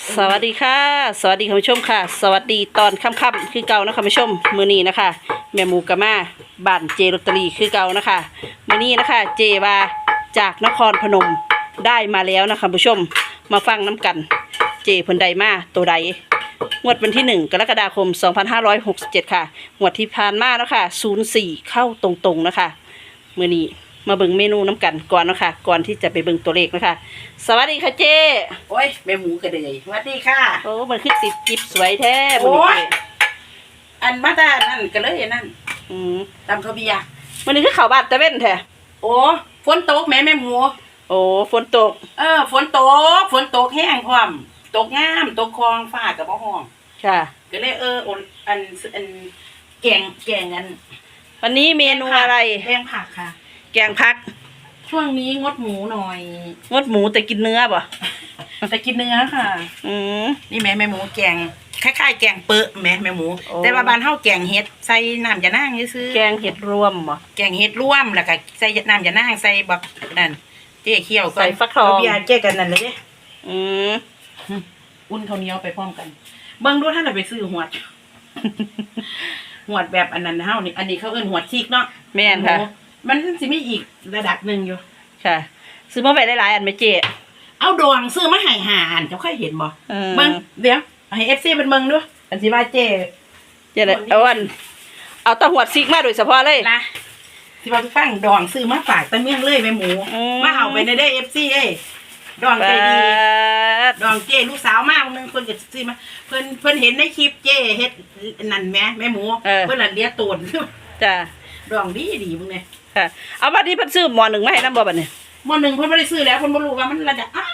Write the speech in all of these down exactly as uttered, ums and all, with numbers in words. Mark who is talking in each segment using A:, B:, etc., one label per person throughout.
A: สวัสดีค่ะสวัสดีคุณผู้ชมค่ะสวัสดีตอนค่ำๆคือเก่านะคุณผู้ชมมื้อนี้นะคะแม่หมูกะมาบ้านเจลอตเตอรี่คือเก่านะคะมื้อนี้นะคะเจว่าจากนครพนมได้มาแล้วนะคะคุณผู้ชมมาฟังน้ำกันเจเพิ่นใดมาตัวใดงวดวันที่หนึ่งกรกฎาคมสองพันห้าร้อยหกสิบเจ็ดค่ะงวดที่ผ่านมาแล้วค่ะศูนย์สี่เข้าตรงๆนะคะมื้อนี้มาเบิ่งเมนูน้ำกันก่อนนะคะก่อนที่จะไปเบิ่งตัวเลขนะคะสวัสดีค่ะเจ
B: โอ้ยแม่หมูกระเดยสวัสดีค่ะ
A: โอ้มันคือติดจิ๊บสวยแท้บน
B: โอ้ย
A: นี้
B: อันมาตานั่นก็เลยนั่น
A: อืม
B: ตำข้าวเบียร์
A: มันนี้คือข่าวบาดตะเว้นแท้
B: โอ้ฝนตกแม่แม่หมู
A: โอ้ฝนตก
B: เออฝนตกฝนตกแห้งพร้อมตกงามตกคลองฟ้ากับบ่ห้อง
A: ค่ะ
B: ก็เลยเออโอนอันอันแกงแกงอัน
A: วันนี้เมนูอะไร
B: แกงผักค่ะ
A: แกงผัก
B: ช่วงนี้งดหมูหน่อย
A: งดหมูแต่กินเนื้อป่ะ
B: แต่กินเนื้อค่ะ
A: อืม
B: นี่แม่แม่หมูแกงคล้ายๆแกงเปอะแม่แม่หมู
A: โอ้
B: แต่ว่าบ้านเฮาแกงเห็ดใส่น้ำยะนางซื่อๆ
A: แกงเห็ดรวมป่ะ
B: แกงเห็ดร่วมแล้วก็ใส่น้ำยานางใส่บักนั่นเจ๊เคี่ยวก่อน
A: ใส่ฟักทอง
B: เอาเบียร์เจ๊กันนั่นเลยเด้
A: อืม
B: อุ่นข้าวเหนียวไปพร้อมกัน เบิ่งดูท่านน่ะไปซื้อหวด หวดแบบอันนั้นเฮานี่อันนี้เขาเอิ้นหวดซีกเนาะ
A: แม่นค่ะ
B: โอ้มันสิมีอีกระดับหนึงอยู่
A: ค่ะ ซื้อมาไว้หลายๆอันไหมเจ๊
B: เอาดองซื้อมาให้หาอันเจ้าเคยเห็นบ่
A: อืม
B: เบิ่งเดี๋ยวให้ เอฟ ซี เป็นเบิ่งดูอันสิว่าเจ๊
A: เจ๊เลยเอาอันเอาตะหวดซิกมาโดยเฉพาะเลย
B: นะสิว่าไปฟังดองซื้อมาฝากตะเมียงเลยแม่หมู
A: อืม
B: มาเอาไปในเด้อ เอฟ ซี เอ้ยดองใจดี
A: ด
B: ดองเจ้ลูกสาวมากนึงเพิ่นก็ซื้อมาเพิ่นเพิ่นเห็นในคลิปเจ้เฮ็ดนั่นแหม่แม่หมูเพิ่นละเลียตูน
A: จ้ะ
B: ดองดีดีมึงเนี่ย
A: ค่ะ เอาบัดนี้เพิ่นซื้อหม้อหนึ่งมาให้น้ำบ่บัดนี้
B: มื้อหนึงเพิ่นบ่ได้ซื้อแล้วเพิ่นบ่รู้ว่ามันระดับอ้า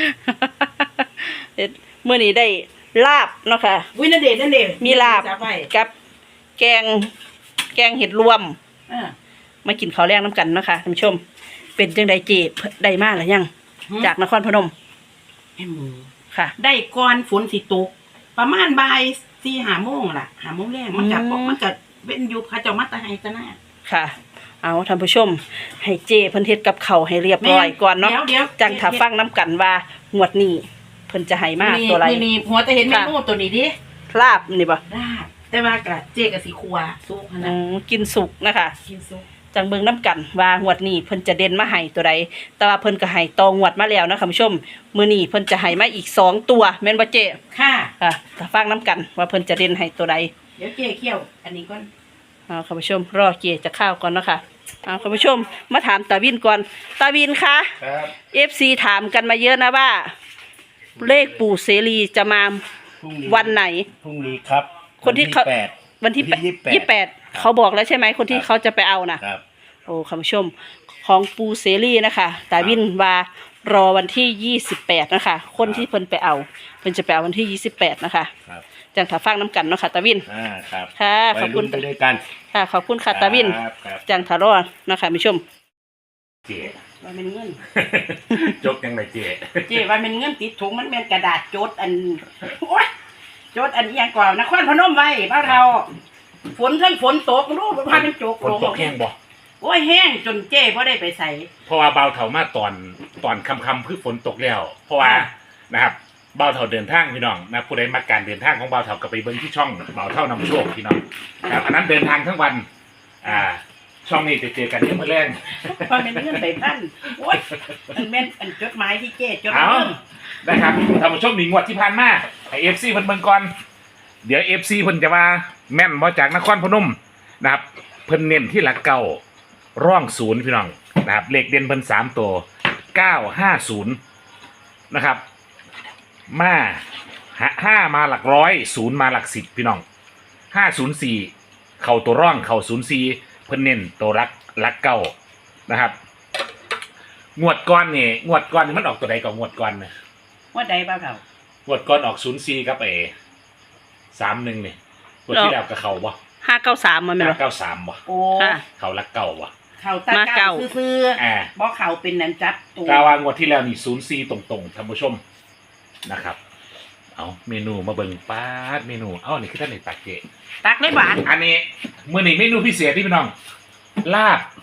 A: เฮ็ดมื้อนี้ได้ลาบเนาะค่ะ
B: วินาเดชนั่นเด้
A: มีลาบ
B: จัไว้
A: กับแกงแกงเห็ดรวม
B: เออ
A: มากินข้าวแรงน้ำกันเนาะค่ะท่านผู้ชม เป็นจังไดเจได้มาหรือยัง จากนครพนม
B: แม่หมู
A: ค่ะ
B: ได้ก่อนฝนสิตก ประมาณบ่ายสี่ห้าโมงล่ะห้าโมงแรงมันก็
A: อืม
B: มันก็เป็นอยู่เขาเจ้ามาแตะให้ตะหน้า
A: ค่ะ เอาท่านผู้ชม ให้เจเพิ่นเฮ็ดกับข้าวให้เรียบร้อยก่อนเนาะ
B: เดี๋ยวเดี๋ยว
A: จังถ้าฟังน้ำกันว่างวดนี้เพิ่นจะให้มาตัวไร
B: นี่นี่หัวแต่เห็นเมนูตัวนี้ดิ
A: ลาบนี่บ่
B: ลาบแต่ว่ากะเจ๊ก็สิครัวสู้ขนา
A: อื
B: ด
A: มกินสุกนะคะ
B: กินซุป
A: จังเบิ่งน้ำกันว่างวดนี้เพิ่นจะเด่นมาให้ตัวใดแต่ว่าเพิ่นก็ให้ตองวดมาแล้วนะคุณผู้ชมมื้อนี้เพิ่นจะให้มาอีกสองตัวแม่นบ่เจ
B: ค่ะ
A: ค่ะถ้าฟังน้ำกันว่าเพิ่นจะเด่นให้ตัวใด
B: เดี๋ยวเจ๊เคี่ยว อันนี้ก่อน
A: เอาคุณผู้ชมรอเจจะข้าวก่อนเนาะค่ะเอาคุณผู้ชมมาถามตาวินก่อนตาวินคะ
C: ครับ
A: เอฟซีถามกันมาเยอะนะว่า เลขปู่เสรีจะมา
C: พรุ่งนี้
A: วันไหน
C: พรุ่งนี้ครับ
A: คนที่เขา
C: แปด
A: วันที่
C: วันที่
A: ยี่สิบแปดเขาบอกแล้วใช่ไหมคนที่เขาจะไปเอานะครับ โอ้คุณผู้ชมของปู่เสรีนะคะตาวินว่ารอวันที่ยี่สิบแปดนะคะ คนที่เพิ่นไปเอาเพิ่นจะไปเอาวันที่ยี่สิบแปดนะคะ
C: ครับ
A: จังถ้าฟังน้ำกันเนาะค่ะตาวิน
C: อ่าครับ
A: ค่ะขอบคุณ
C: ไปลุ้นไปด้วยกัน
A: ค่ะขอบคุณค่ะตาวิน
C: ครับครับ
A: จังทารอนะคะผู้ชม
C: เจ๊
B: ว่าเป็นเงิน
C: จกยังไงเจ๊
B: เจ๊ว่าเป็นเงินติดถุงมันเป็นกระดาษโจดอันโอ๊ยโจดอันอหยังก่อนนครพนมไว้บ้านเราฝนทั้งฝนตกรู้ว่าเป็นโจก
C: ฝนตกแห้งบ่
B: โอ้ยแห้งจนเจ๊บ่ได้ไปใส่
C: เพราะว่าเบาเถามาตอนตอนคำคำๆคือฝนตกแล้ว เพราะว่า
B: อ่า
C: นะครับเบาเถาเดินทางพี่น้องนะผู้ใดมาการเดินทางของเบาเถาก็ไปเบิ้งที่ช่องเบาเท่านำโชคพี่น้องครับอันนั้นเดินทางทั้งวัน อ่า ช่องนี้จะเจอกันที่เมื่อแรง
B: ว่าเป็นเงินไปพันโอ๊ยอันแม่นอันจดหมายที่เจ๊จด
C: เอา
B: เงิน
C: นะครับท่านผู้ชมหนีงวดที่ผ่านมาให้เอฟซีเพิ่นเบิ่งก่อนเดี๋ยวเอฟซีเพิ่นจะมาแม่นบ่จากนครพนมนะครับเพิ่นเน้นที่หลักเก้าร่องศูนย์พี่น้องนะครับเลขเด่นเพิ่นสามตัวเก้าห้าศูนย์นะครับมาห้ามาหลักร้อยศูนย์มาหลักสิบพี่น้องห้าศูนย์สี่เข่าตัวร่องเข่าศูนย์สี่เพิ่นเน้นตัวรักรักเก้านะครับงวดก้อนนี่งวดก้อนนี่มันออกตัวใดก่อนงวดก้อนเนี่ย
B: ว่าใดบ้างเขา
C: งวดก้อนออกศูนย์สี่ครับเอสามหนึ่งนี่งวดที่แล้วกับเขาบ่
A: ห้าเก้าสามมาไหม
C: ห้า
A: ล่ะ
C: เก้าสามบ่
B: โอ้
A: ค่ะ
C: เขารักเก่าบ่
B: เขาตา
A: มา
B: เก่า
A: เก่า
B: ซื่อ
C: อ่า
B: ๆบ่เขาเป็นนันจับตัว
C: กาวางวดที่แล้วนี่ศูนย์สี่ตรงๆท่านผู้ชมนะครับ เอาเมนูมาเบิ่งป้าดเมนูเอ้านี่คือท่านในตักเจ
B: ตักได้บาท
C: อันนี้มื้อนี้เมนูพิเศษที่พี่น้อง ลาบ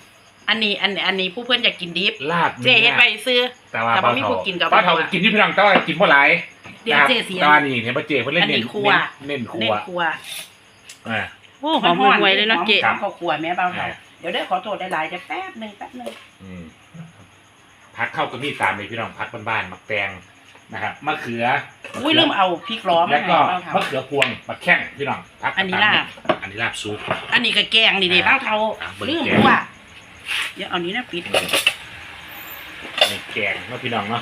B: อันนี้อันอันนี้ผู้เพื่อนอยากกินดิบ
C: ลาบ
B: เจ๊เฮ็ดไปซื้อ
C: แต่ว่า
B: แต่
C: เบา
B: บ่มี
C: เท่า
B: ผู้กินกับ
C: เบาเท่า
B: บ่ว่า
C: กินที่พี่น้องแต่ว่ากินบ่หลาย
B: เดี๋ยวเจ๊เสีย
C: แต่ว่านี่เห็นป่ะเจ๊เพิ่นเล่น
B: อันนี้
C: เน้น
B: ครัว
C: เน้นครั
B: เน้
C: วน
B: ครัว
C: อ่า
A: โอ้หอมหวยเลยเนาะเจ๊
B: หอมข้าวคั่วแม่เบาเท่า
C: อ่า
B: เดี๋ยวเด้อขอโทษหลายๆจะแป๊บหนึงแป๊บหนึง
C: อืมพักเข้าก็มีตามเลยพี่น้องพักบ้านๆหมักแตงนะครับมะเขือ
B: อุ้ยลืมเอาพริกล้อม
C: แล้วก็
B: ให้เบาเท่าม
C: ะเขือพวงมะแข้งพี่น้องพัก
B: อันนี้ลาบ
C: อันนี้ลาบซุป
B: อันนี้ก็แกงนี่เด้เบาเท่า
C: อ่ะเบิ่ง
B: ลืม
C: แกง
B: ว่าเดี๋ยวเอานี้นะปิด
C: ในแกงเนาะพี่น้องเนาะ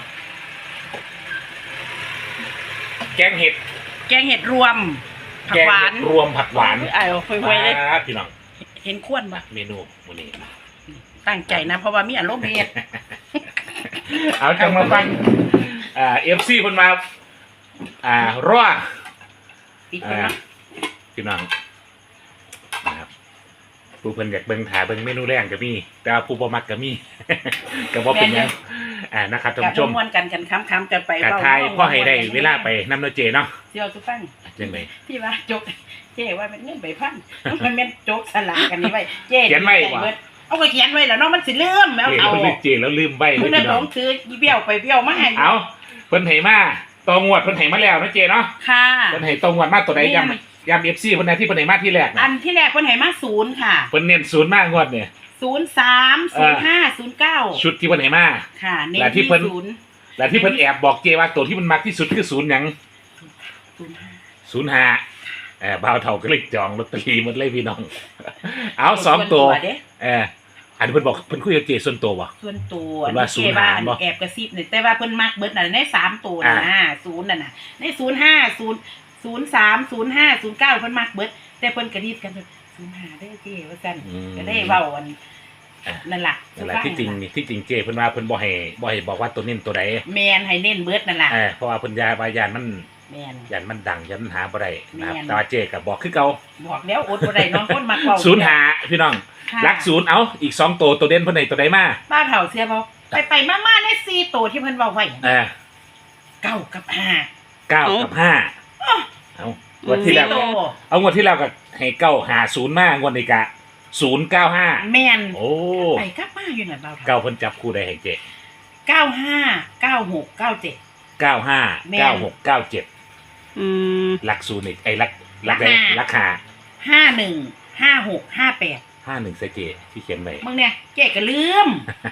C: แกงเห็ด
B: แกงเห็ดรวมผัก
C: แกง
B: หวา
C: เห็
B: น
C: ดรวมผักหวาน
A: ไอ้หวยๆเลย
C: อ่าพี่น้อง
B: เห็นควรปะ
C: เมนูวันนี้
B: ตั้งใจนะเพราะว่ามีอารมณ์เฮ็ด
C: เอาจังมาฟังอ่าเอฟซีคนมาอ่ารอ
B: ปิด
C: อ่า
B: นะ
C: พี่น้องนะครับผู้เพิ่นอยากเบิ่งถ่ายเบิ่งเมนูแรงก็มีแต่ว่าผู้บ่มักก็มี ก็บ่เป็นหยังอ่านะครับท่าน
B: กับ
C: ผู้ชม
B: ม่วนกันกันค้ำๆกันไป
C: กะ
B: เว้
C: ทายพ่อให้ได้เวลาไปนำเนาะเจเนาะ
B: เสี่ยวทุกฟัง
C: จังได๋
B: ที่ว่าจกเจ๊ว่าเป็นเงินใบพันมันแม่นจกสลากกันนี่ไว้เจ๊
C: เขียนไว้ว่ะ
B: เบิดเอาก็เขียนไว้แล้วเนาะมันสิลืมแล้ว
C: เจ
B: เอา
C: แล้วลืมเจแล้วลืมใบเล
B: คุ
C: ย
B: ณน่ะ
C: พี่
B: หล
C: น้อง
B: งถืออีเบี้ยวไปเบี้ยวมาให้
C: เอาเพิ่นให้มาตองวดเพิ่นให้มาแล้วเนาะเจเนาะ
B: ค่ะ
C: เพิ่นให้ตองวดมาตัวใดย้ำย้ำ เอฟ ซี เพิ่นได้ที่เพิ่นให้มาที่แรก
B: อั
C: นะ
B: นที่แรกเพิ่นให้มาศูนย์ค่ะ
C: เพิ่นเน้นศูนย์มากงวดเนี่ย
B: ศูนย์สามศูนย์ห้าศูนย์เก้า
C: ชุดที่เพิ่นให้มา
B: ค่ะเน้น
C: และที่
B: ที่
C: เพิ่น
B: ศูนย์
C: และที่เพิ่นแอบบอกเจว่าตัวที่มันมักที่สุดคือศูนย์หยัง
B: ศูนย์ห้า
C: ศูนย์ห้าเออบ่าวเฒ่าก็เลยจองลอตเตอรี่หมดเลยพี่น้อง เอาสองตัว
B: เด้
C: เอออันนี้เพิ่นบอกเพิ่นคุยกับเจส่วนตัวบ่
B: ส่วนตัว
C: เพิ่นว่า
B: เจ๊ว่าอัน
C: ศูนย์ห้าบ่
B: แอบกระซิบนี่แต่ว่าเพิ่นมักเบิดน่ะในสามตัว
C: อ่า
B: น่ะศูนย์น่ะน่ะในศูนย์ห้าศูนย์ศูนย์สามศูนย์ห้าศูนย์เก้าเพิ่นมักเบิดแต่เพิ่นกระดิบกันศูนย์ห้าได้อเจ๊ว่าซั่น
C: อืม
B: ก็ได้เว้าอันนั่นล่ะ
C: นั่นแหละที่จริงนี่ที่จริงเจเพิ่นว่าเพิ่นบ่ให้บ่ให้บอกว่าตัวนี้ตัวใด
B: แมนให้เน้นเบิดนั่นล่ะ
C: เออเพราะว่าเพิ่นยาว่ายานมัน
B: แมน
C: ยานมันดังยานมันหาบ่ได้นะครับ
B: แม่น
C: แต่ว่าเจก็บอกคือเก่า
B: บอกแล้วอดบ่ได้เน้องคนมักเว้า
C: ศูนย์หาพี่น้อง
B: ค่ะ
C: รักศูนย์เอาอีกสองตัวตัวเด่นเพิ่นให้ตัวใดมา
B: ป้าเฒ่าเสียบ่ไปไปๆมาๆในสี่ตัวที่เพิ่นเว้าไว้
C: เออ
B: เก้ากับห้า
C: เก้ากับห้าเอางวดที่แล้ว
B: สี่ตัว
C: เอางวดที่แล้วก็ให้เก้าหาศูนย์มางวดนี้ก็ศูนย์เก้าห้า
B: แม่น
C: โอ้
B: ไปกลับมาอยู่นั่นเบาเฒ่า
C: เก้าเพิ่นจับคู่ได้ให้เจ
B: เก้าห้าเก้าหกเก้าเจ็ด
C: เก้าห้า
B: แม่น
C: เก้าหกเก้าเจ็ด
A: อืม
C: รักศูนย์อีกไอ้รักรักได้
B: รักห้า
C: รักหา
B: ห้าหนึ่งห้าหกห้าแปด
C: ห้าหนึ่งใส่เจที่เขียนไว้
B: มึงเนี่ยเจ๊ก็ลืม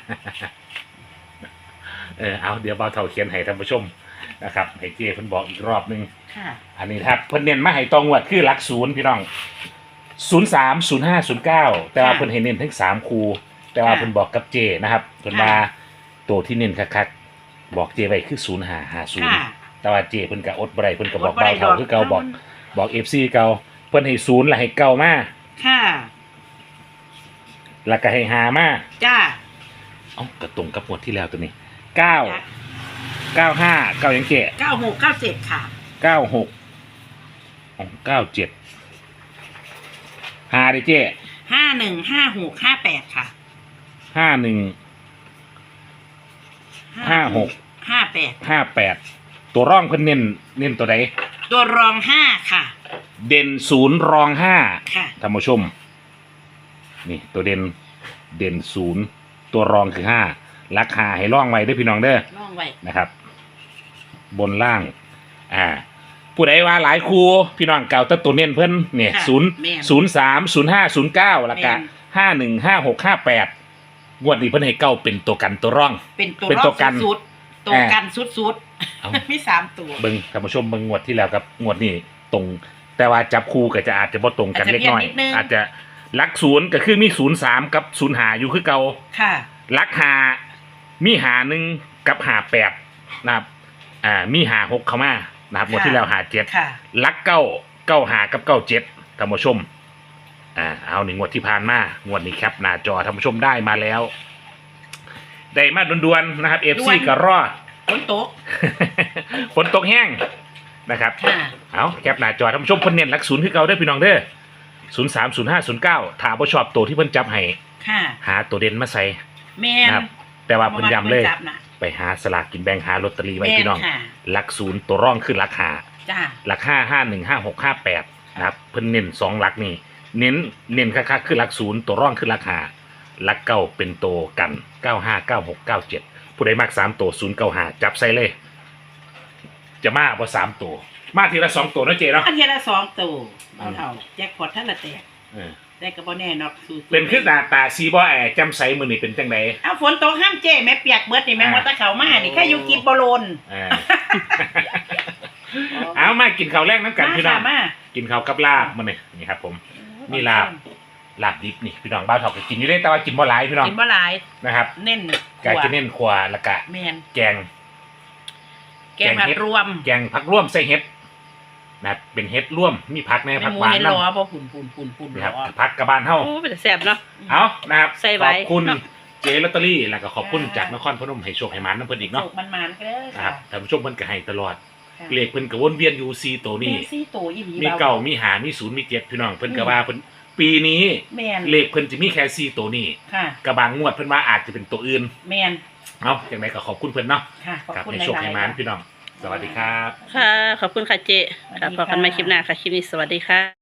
C: เออเอาเดี๋ยวเบาเท่าเขียนให้ท่านผู้ชมนะครับให้เจเพิ่นบอกอีกรอบหนึง
B: ค่ะ
C: อันนี้ครับเพิ่นเน้นมาให้ตองวดคือหลักศูนย์พี่น้องศูนย์สามศูนย์ห้าศูนย์เก้าแต่ว่า
B: ค่ะ
C: เพิ่นให้เน้นทั้งสามคูแต่ว่า
B: ค่ะ
C: เพิ่นบอกกับเจนะครับเพิ่น
B: ค่ะ
C: มาตัวที่เน้นคักๆบอกเจไว้คือศูนย์ห้าห้าศูนย์
B: ค่ะ
C: แต่ว่าเจเพิ่นก็อดบ่ได้เพิ่นก็บอก
B: อดบ่ได้
C: เบาเท่า
B: ดอก
C: คือเก่าบอกบอก เอฟ ซี เก่าเพิ่นให้ศูนย์แล้วให้เก้ามา
B: ค่ะ
C: แล้วก็ให้หามา
B: จ้า
C: เอ้าก็ตรงกับงวดที่แล้วตัวนี้เก้า
B: จ้ะ
C: เก้าห้าเก้ายังเจ
B: เก้าหกเก้าเจ็ดค่ะ
C: เก้าหกเก้าเจ็ดหาดิเจ้
B: ห้าหนึ่งห้าหกห้าแปดค่ะ
C: ห้าหนึ่งห้าหก
B: ห้าแปด
C: ห้าแปดตัวร่องเพิ่นเน้นเน้นตัวใด
B: ตัวรองห้าค่ะ
C: เด่นศูนย์รองห้า
B: ค่ะ
C: ท่านผู้ชม นี่ตัวเด่นเด่นศูนย์ตัวรองคือห้าราคาให้ร่องไว้ได้อพี่น้องเด้อ
B: ลองไว้
C: นะครับ บนล่าง อ่า ผู้ใดว่าหลายครูพี่น้องเก่าแตัตัวเน้นเพิ่นเนี่ย
B: ค่ะ
C: ศูนย์
B: แม่น
C: ศูนย์สามศูนย์ห้าศูนย์เก้าแล้วก็
B: แม่น
C: ห้าหนึ่งห้าหกห้าแปดงวดนี้เพิ่นให้เก้าเป็นตัวกันตัวร่อง
B: เป็นตัว
C: เป็น
B: ร
C: ตั
B: อ
C: ว
B: บ
C: กัน
B: สุดๆตัวกันสุด
C: เอ้า
B: ๆมีสามตัว
C: เบิ่งท่านผู้ชมเบิ่งงวดที่แล้วครับงวดนี้ตรง แต่ว่าจับคู่ก็จะอาจจะบ่ตรงกัน
B: อาจจะ
C: เล็กน้อย
B: เพี้ยนนิดนึง
C: อาจจะลักศูนย์ก็คือมีศูนย์สามกับศูนย์หาอยู่คือเก่า
B: ค่ะ
C: ลักหามีหาหนึ่งกับหาแปดนะครับอ่ามีหาหกเข้ามานะครับงวดที่แล้วหาเจ็ด
B: ค่ะ
C: ลักเก้าเก้าหากับเก้าเจ็ดท่านผู้ชมอ่าเอาหนึ่งงวดที่ผ่านมางวดนี้ครับหน้าจอท่านผู้ชมได้มาแล้ว ได้มาด่วนๆนะครับเอฟ
B: ด่
C: ซี
B: วน
C: ก็รอด
B: ฝนตก
C: ฝนตกแห้งนะครับ
B: ค่ะ
C: เอาแคปหน้าจอท่านผู้ชมเพิ่นเน้นหลักศูนย์คือเก่าเด้อพี่น้องเด้อศูนย์สามศูนย์ห้าศูนย์เก้าถ้าบ่ชอบตัวที่เพิ่นจับให้
B: ค่ะ
C: หาตัวเด่นมาใส่
B: แม่น
C: นะครับแต่ว่าเพิ่นย้ำเลย
B: จับน่ะ
C: ไปหาสลากกินแบ่งหาลอตเตอรี่ไว้
B: แม่น
C: พี่น้อง
B: ค่ะ
C: หลักศูนย์ตัวร่องคือหลักหา
B: จ้า
C: หลักห้าห้าหนึ่งห้าหกห้าแปดนะครับเพิ่นเน้นสองหลักนี่เน้นเน้นคักๆคือหลักศูนย์ตัวร่องคือหลักหาลักเก้าเป็นโตกันเก้าห้าเก้าหกเก้าเจ็ดผู้ใดมักสามตัวศูนย์เก้าห้าจับใส่เลย จะมาบ่สามตัวมาทีละสองตัวนะเจเนาะ
B: อันเทียละสองตัวเอาเท่าแจ็คพอตท่านละแตก
C: เออ
B: แต่ก็บ่แน่นอกสู้ๆ
C: เป็นขึ้นหน้าตาซีบ่แอจำใสมือนี่เป็นจังได
B: เอาฝนตกห้ามเจ้แม่เปียกเบิดนี่แม่
C: อ่า
B: ว่าแตะเขามานี่แค่อยู่กินบ่โลน
C: เออ เอามากินข้าวแรกน้ำกันพี่น้อง
B: มาค่ะมา
C: กินข้าวกับลาบมาเนี่ยนี่ครับผม มีลาบ ลาบดิบนี่พี่น้องบ้าวเถอกก็กินอยู่ได้แต่ว่ากินบ่หลายพี่น้อง
B: กินบ่หลาย
C: นะครับ
B: เน้น
C: กาจะเน้นขวาและกะ
B: แม่น
C: แกง
B: แกงผัดรวม
C: แกงผักร่วมใส่เห็ดนะครับเป็นเห็ดร่วมมีผักใน
B: แม่
C: ผัก
B: หมู
C: หวาน
B: เห็น
C: น้
B: ล้อบ่ปุ่นปุ่นปุ่นปุ่น
C: ำนะครับ
B: ล้อ
C: ผักกระบานเฮา
A: โอ้เป็นแต่แซ่บเนาะ
C: เอานะครับ
A: ใส่
C: ข
A: ไว้
C: อบคุณ
A: เนาะ
C: เจลอตเตอรี่แล้วก็ขอบคุณจากนครพนมให้โชคให้หมันน้ำเพิ่นอีกเนาะ
B: โศกมันๆก็เด้อ
C: นะค
B: ค่ะ
C: รับท่านผู้ชมเพิ่นก็ให้ตลอดเลขเพิ่นก็วนเวียนอยู่สี่ตัวนี้
B: แม่ซี่โตอีหลี
C: มีเก้ามีหามีศูนย์มีเจ็ดพี่น้องเพิ่นก็ว่าเพิ่นปีนี้
B: แม่น
C: เลขเพิ่นจะมีแค่สี่ตัวนี้
B: ค่ะ
C: กระบางงวดเพิ่นว่าอาจจะเป็นตัวอื่น
B: แม่น
C: เอาอย่างไรก็ขอบคุณเพิ่นเนาะ
B: ค่ะขอบ
C: กับ
B: คุณ
C: ให้
B: หลาย
C: โชคให้หมัน
B: ๆ
C: พี่น้อง สวัสดีครับ
A: ค่ะ ขอบคุณค่ะเจค่ะพบกันใหม่คลิปหน้าค่ะ คลิปนี้สวัสดีค่ะ